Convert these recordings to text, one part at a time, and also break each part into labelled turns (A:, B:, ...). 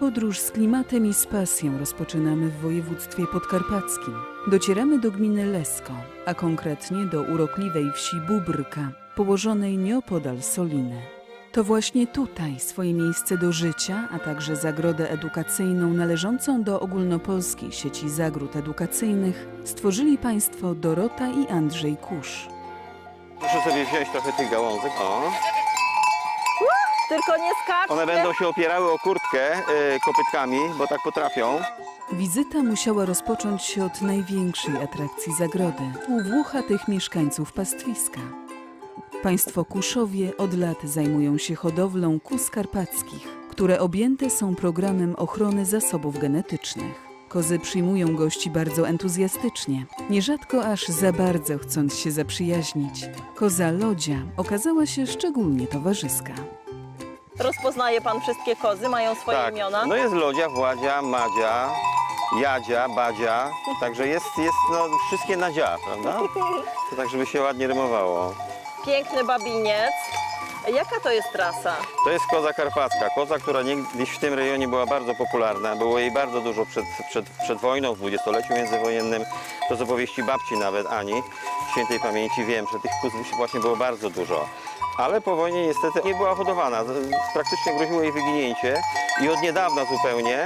A: Podróż z klimatem i z pasją rozpoczynamy w województwie podkarpackim. Docieramy do gminy Lesko, a konkretnie do urokliwej wsi Bóbrka, położonej nieopodal Soliny. To właśnie tutaj swoje miejsce do życia, a także zagrodę edukacyjną należącą do ogólnopolskiej sieci zagród edukacyjnych stworzyli państwo Dorota i Andrzej Kusz.
B: Proszę sobie wziąć trochę tych gałązek. O.
C: Tylko nie skaczcie.
B: One będą się opierały o kurtkę kopytkami, bo tak potrafią.
A: Wizyta musiała rozpocząć się od największej atrakcji zagrody – u włochatych mieszkańców pastwiska. Państwo Kuszowie od lat zajmują się hodowlą kóz karpackich, które objęte są programem ochrony zasobów genetycznych. Kozy przyjmują gości bardzo entuzjastycznie, nierzadko aż za bardzo chcąc się zaprzyjaźnić. Koza Lodzia okazała się szczególnie towarzyska.
C: Rozpoznaje pan wszystkie kozy, mają swoje imiona?
B: No jest Lodzia, Władzia, Madzia, Jadzia, Badzia, także jest no, wszystkie na dzia, prawda? To tak, żeby się ładnie rymowało.
C: Piękny babiniec. Jaka to jest rasa?
B: To jest koza karpacka, koza, która niegdyś w tym rejonie była bardzo popularna. Było jej bardzo dużo przed wojną, w dwudziestoleciu międzywojennym. To z opowieści babci nawet Ani, świętej pamięci wiem, że tych kóz właśnie było bardzo dużo. Ale po wojnie niestety nie była hodowana, praktycznie groziło jej wyginięcie i od niedawna zupełnie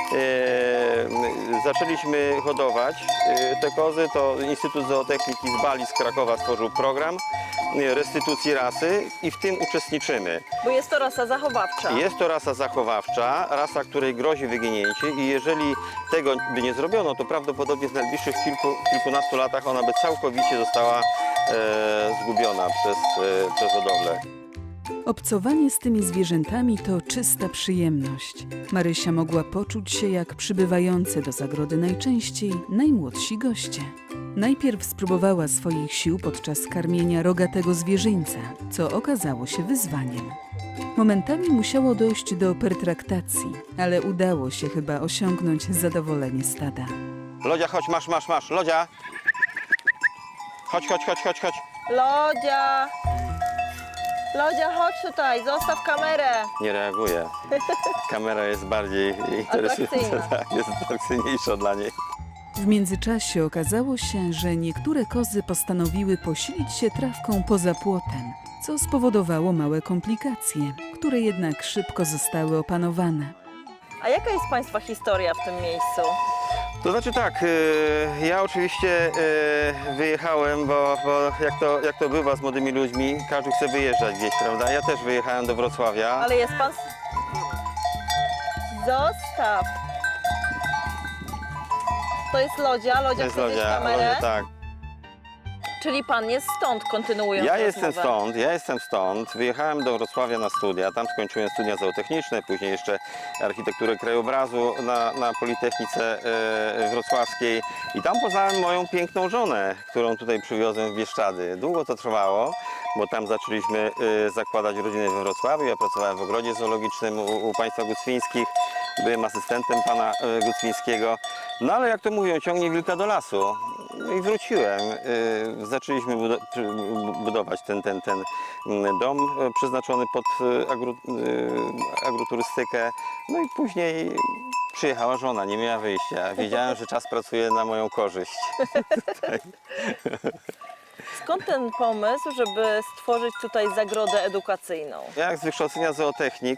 B: zaczęliśmy hodować te kozy. To Instytut Zootechniki z Bali, z Krakowa stworzył program restytucji rasy i w tym uczestniczymy.
C: Bo jest to rasa zachowawcza.
B: Jest to rasa zachowawcza, rasa, której grozi wyginięcie i jeżeli tego by nie zrobiono, to prawdopodobnie w najbliższych kilkunastu latach ona by całkowicie została zgubiona przez hodowlę.
A: Obcowanie z tymi zwierzętami to czysta przyjemność. Marysia mogła poczuć się jak przybywające do zagrody najczęściej najmłodsi goście. Najpierw spróbowała swoich sił podczas karmienia rogatego zwierzyńca, co okazało się wyzwaniem. Momentami musiało dojść do pertraktacji, ale udało się chyba osiągnąć zadowolenie stada.
B: Lodzia, chodź, masz, Lodzia! Chodź.
C: Lodzia! Lodzia, chodź tutaj, zostaw kamerę.
B: Nie reaguje. Kamera jest bardziej interesująca, tak, jest atrakcyjniejsza dla niej.
A: W międzyczasie okazało się, że niektóre kozy postanowiły posilić się trawką poza płotem, co spowodowało małe komplikacje, które jednak szybko zostały opanowane.
C: A jaka jest państwa historia w tym miejscu?
B: To znaczy tak, ja oczywiście wyjechałem, bo jak to bywa z młodymi ludźmi, każdy chce wyjeżdżać gdzieś, prawda? Ja też wyjechałem do Wrocławia.
C: Ale jest pan... Zostaw! To jest Lodzia, Lodzia chce wziąć kamerę?
B: Lodzia, tak.
C: Czyli pan jest stąd, kontynuując
B: Ja
C: rozmowę.
B: jestem stąd. Wyjechałem do Wrocławia na studia. Tam skończyłem studia zootechniczne, później jeszcze architekturę krajobrazu na Politechnice Wrocławskiej. I tam poznałem moją piękną żonę, którą tutaj przywiozłem w Bieszczady. Długo to trwało, bo tam zaczęliśmy zakładać rodzinę we Wrocławiu. Ja pracowałem w ogrodzie zoologicznym u państwa Gucwińskich. Byłem asystentem pana Gucwińskiego. No ale jak to mówią, ciągnie wilka do lasu. No i wróciłem. Zaczęliśmy budować ten dom przeznaczony pod agroturystykę. No i później przyjechała żona, nie miała wyjścia. Wiedziałem, że czas pracuje na moją korzyść.
C: Skąd ten pomysł, żeby stworzyć tutaj zagrodę edukacyjną?
B: Ja z wykształcenia zootechnik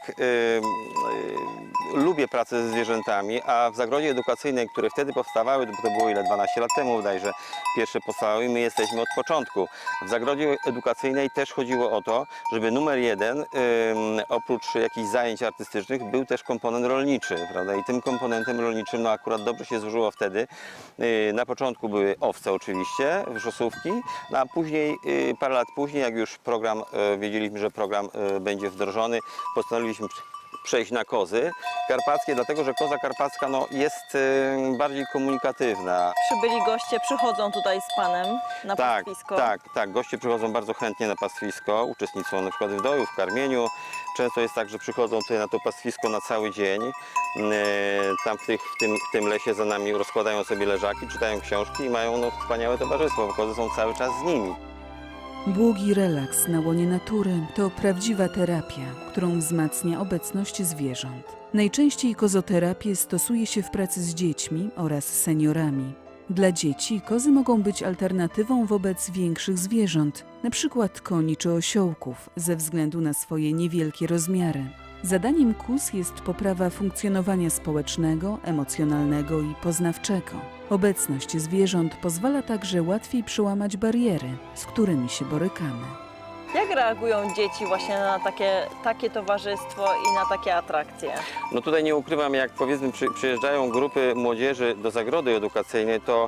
B: lubię pracę ze zwierzętami, a w zagrodzie edukacyjnej, które wtedy powstawały, to było 12 lat temu bodajże, pierwsze powstawały i my jesteśmy od początku. W zagrodzie edukacyjnej też chodziło o to, żeby numer jeden, oprócz jakichś zajęć artystycznych, był też komponent rolniczy, prawda? I tym komponentem rolniczym no akurat dobrze się złożyło wtedy. Na początku były owce oczywiście, wrzosówki, no a później, parę lat później, jak już wiedzieliśmy, że program będzie wdrożony, postanowiliśmy przejść na kozy karpackie, dlatego że koza karpacka no, jest bardziej komunikatywna.
C: Przybyli goście, przychodzą tutaj z panem na pastwisko?
B: Tak. Goście przychodzą bardzo chętnie na pastwisko, uczestniczą na przykład w doju, w karmieniu. Często jest tak, że przychodzą tutaj na to pastwisko na cały dzień. Tam w tym lesie za nami rozkładają sobie leżaki, czytają książki i mają no, wspaniałe towarzystwo, bo kozy są cały czas z nimi.
A: Błogi relaks na łonie natury to prawdziwa terapia, którą wzmacnia obecność zwierząt. Najczęściej kozoterapię stosuje się w pracy z dziećmi oraz seniorami. Dla dzieci kozy mogą być alternatywą wobec większych zwierząt, np. koni czy osiołków, ze względu na swoje niewielkie rozmiary. Zadaniem kóz jest poprawa funkcjonowania społecznego, emocjonalnego i poznawczego. Obecność zwierząt pozwala także łatwiej przełamać bariery, z którymi się borykamy.
C: Jak reagują dzieci właśnie na takie towarzystwo i na takie atrakcje?
B: No tutaj nie ukrywam, jak powiedzmy przyjeżdżają grupy młodzieży do zagrody edukacyjnej, to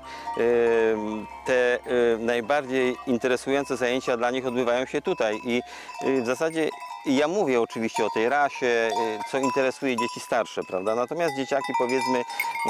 B: te najbardziej interesujące zajęcia dla nich odbywają się tutaj i w zasadzie ja mówię oczywiście o tej rasie, co interesuje dzieci starsze, prawda? Natomiast dzieciaki powiedzmy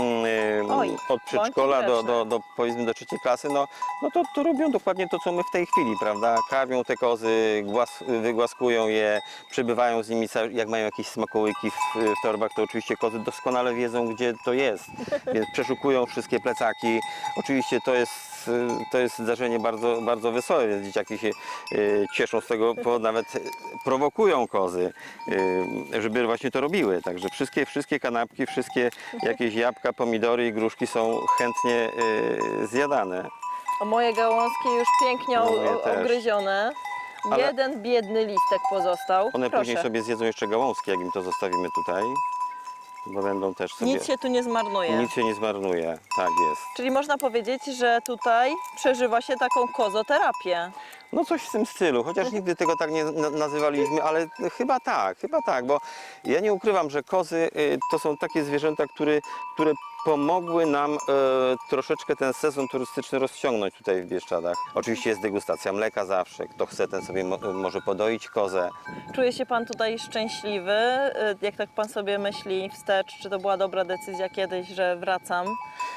B: od przedszkola do powiedzmy do 3. klasy, no to robią dokładnie to, co my w tej chwili, prawda? Karmią te kozy, wygłaskują je, przebywają z nimi, jak mają jakieś smakołyki w torbach, to oczywiście kozy doskonale wiedzą, gdzie to jest, więc przeszukują wszystkie plecaki. Oczywiście to jest zdarzenie bardzo, bardzo wesołe, więc dzieciaki się cieszą z tego powodu, nawet prowokują kozy, żeby właśnie to robiły. Także wszystkie kanapki, wszystkie jakieś jabłka, pomidory i gruszki są chętnie zjadane.
C: A moje gałązki już pięknie ogryzione.
B: Ale
C: jeden biedny listek pozostał.
B: one
C: Proszę.
B: później sobie zjedzą jeszcze gałązki, jak im to zostawimy tutaj, bo będą też sobie...
C: Nic się tu nie zmarnuje.
B: Nic się nie zmarnuje, tak jest.
C: Czyli można powiedzieć, że tutaj przeżywa się taką kozoterapię.
B: No coś w tym stylu, chociaż nigdy tego tak nie nazywaliśmy, ale chyba tak, bo ja nie ukrywam, że kozy to są takie zwierzęta, które pomogły nam troszeczkę ten sezon turystyczny rozciągnąć tutaj w Bieszczadach. Oczywiście jest degustacja mleka zawsze, kto chce, ten sobie może podoić kozę.
C: Czuje się Pan tutaj szczęśliwy? Jak tak Pan sobie myśli wstecz, czy to była dobra decyzja kiedyś, że wracam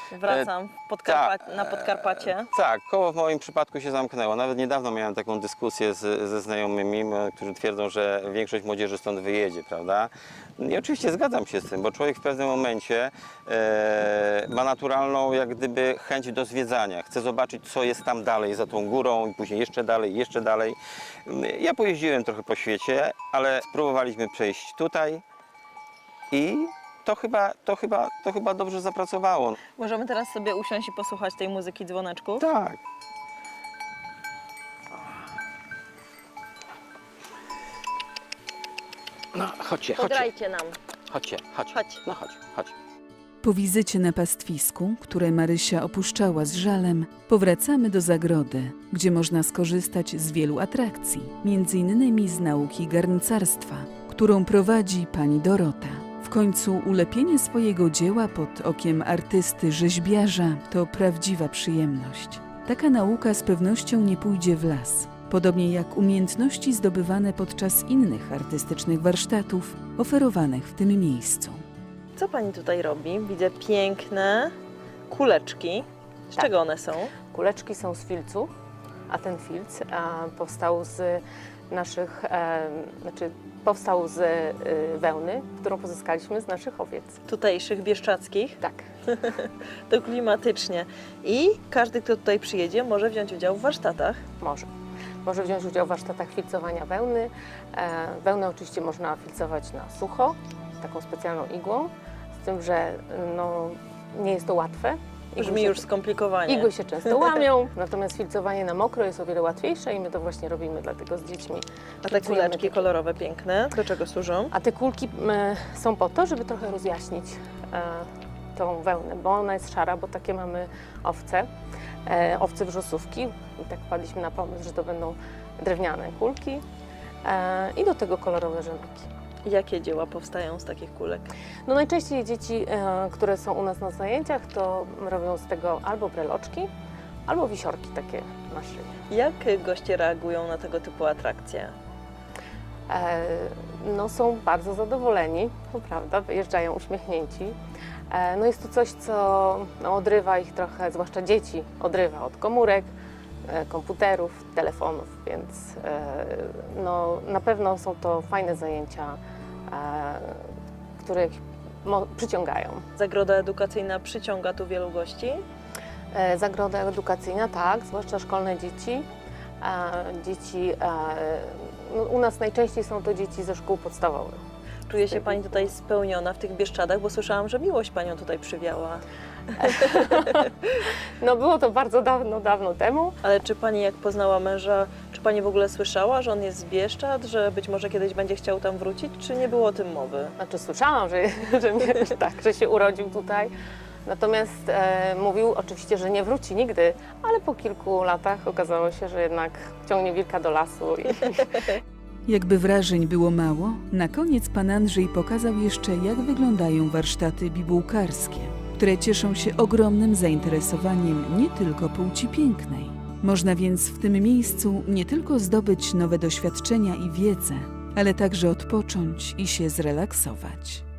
C: na Podkarpacie?
B: Tak, koło w moim przypadku się zamknęło. Nawet niedawno miałem taką dyskusję ze znajomymi, którzy twierdzą, że większość młodzieży stąd wyjedzie, prawda? I oczywiście zgadzam się z tym, bo człowiek w pewnym momencie ma naturalną jak gdyby chęć do zwiedzania. Chce zobaczyć, co jest tam dalej, za tą górą i później jeszcze dalej, jeszcze dalej. Ja pojeździłem trochę po świecie, ale spróbowaliśmy przejść tutaj i to chyba dobrze zapracowało.
C: Możemy teraz sobie usiąść i posłuchać tej muzyki dzwoneczków?
B: Tak. No, chodźcie.
C: Podrajcie nam.
B: Chodź. No chodź.
A: Po wizycie na pastwisku, które Marysia opuszczała z żalem, powracamy do zagrody, gdzie można skorzystać z wielu atrakcji, m.in. z nauki garncarstwa, którą prowadzi pani Dorota. W końcu ulepienie swojego dzieła pod okiem artysty rzeźbiarza to prawdziwa przyjemność. Taka nauka z pewnością nie pójdzie w las, podobnie jak umiejętności zdobywane podczas innych artystycznych warsztatów oferowanych w tym miejscu.
C: Co Pani tutaj robi? Widzę piękne kuleczki. Z czego one są?
D: Kuleczki są z filców, a ten filc powstał z naszych, powstał z wełny, którą pozyskaliśmy z naszych owiec.
C: Tutejszych, bieszczadzkich?
D: Tak.
C: To klimatycznie. I każdy, kto tutaj przyjedzie, może wziąć udział w warsztatach?
D: Może wziąć udział w warsztatach filcowania wełny. Wełnę oczywiście można filcować na sucho, taką specjalną igłą, z tym, że nie jest to łatwe.
C: Brzmi już skomplikowanie.
D: Igły się często łamią, natomiast filcowanie na mokro jest o wiele łatwiejsze i my to właśnie robimy dlatego z dziećmi.
C: A te kuleczki kolorowe, piękne, do czego służą?
D: A te kulki są po to, żeby trochę rozjaśnić tą wełnę, bo ona jest szara, bo takie mamy owce wrzosówki. I tak wpadliśmy na pomysł, że to będą drewniane kulki i do tego kolorowe rzemyki.
C: Jakie dzieła powstają z takich kulek?
D: No najczęściej dzieci, które są u nas na zajęciach, to robią z tego albo breloczki, albo wisiorki takie na szyję.
C: Jak goście reagują na tego typu atrakcje?
D: No są bardzo zadowoleni, to prawda, wyjeżdżają uśmiechnięci. No jest to coś, co odrywa ich trochę, zwłaszcza dzieci, odrywa od komórek, komputerów, telefonów, więc na pewno są to fajne zajęcia, które ich przyciągają.
C: Zagroda edukacyjna przyciąga tu wielu gości?
D: Zagroda edukacyjna, tak, zwłaszcza szkolne dzieci. dzieci, no, u nas najczęściej są to dzieci ze szkół podstawowych.
C: Czuje się Pani tutaj spełniona w tych Bieszczadach, bo słyszałam, że miłość Panią tutaj przywiała.
D: No było to bardzo dawno temu.
C: Ale czy Pani, jak poznała męża, czy Pani w ogóle słyszała, że on jest z Bieszczad, że być może kiedyś będzie chciał tam wrócić, czy nie było o tym mowy?
D: Znaczy słyszałam, że się urodził tutaj. Natomiast mówił oczywiście, że nie wróci nigdy, ale po kilku latach okazało się, że jednak ciągnie wilka do lasu.
A: Jakby wrażeń było mało, na koniec pan Andrzej pokazał jeszcze, jak wyglądają warsztaty bibułkarskie, które cieszą się ogromnym zainteresowaniem nie tylko płci pięknej. Można więc w tym miejscu nie tylko zdobyć nowe doświadczenia i wiedzę, ale także odpocząć i się zrelaksować.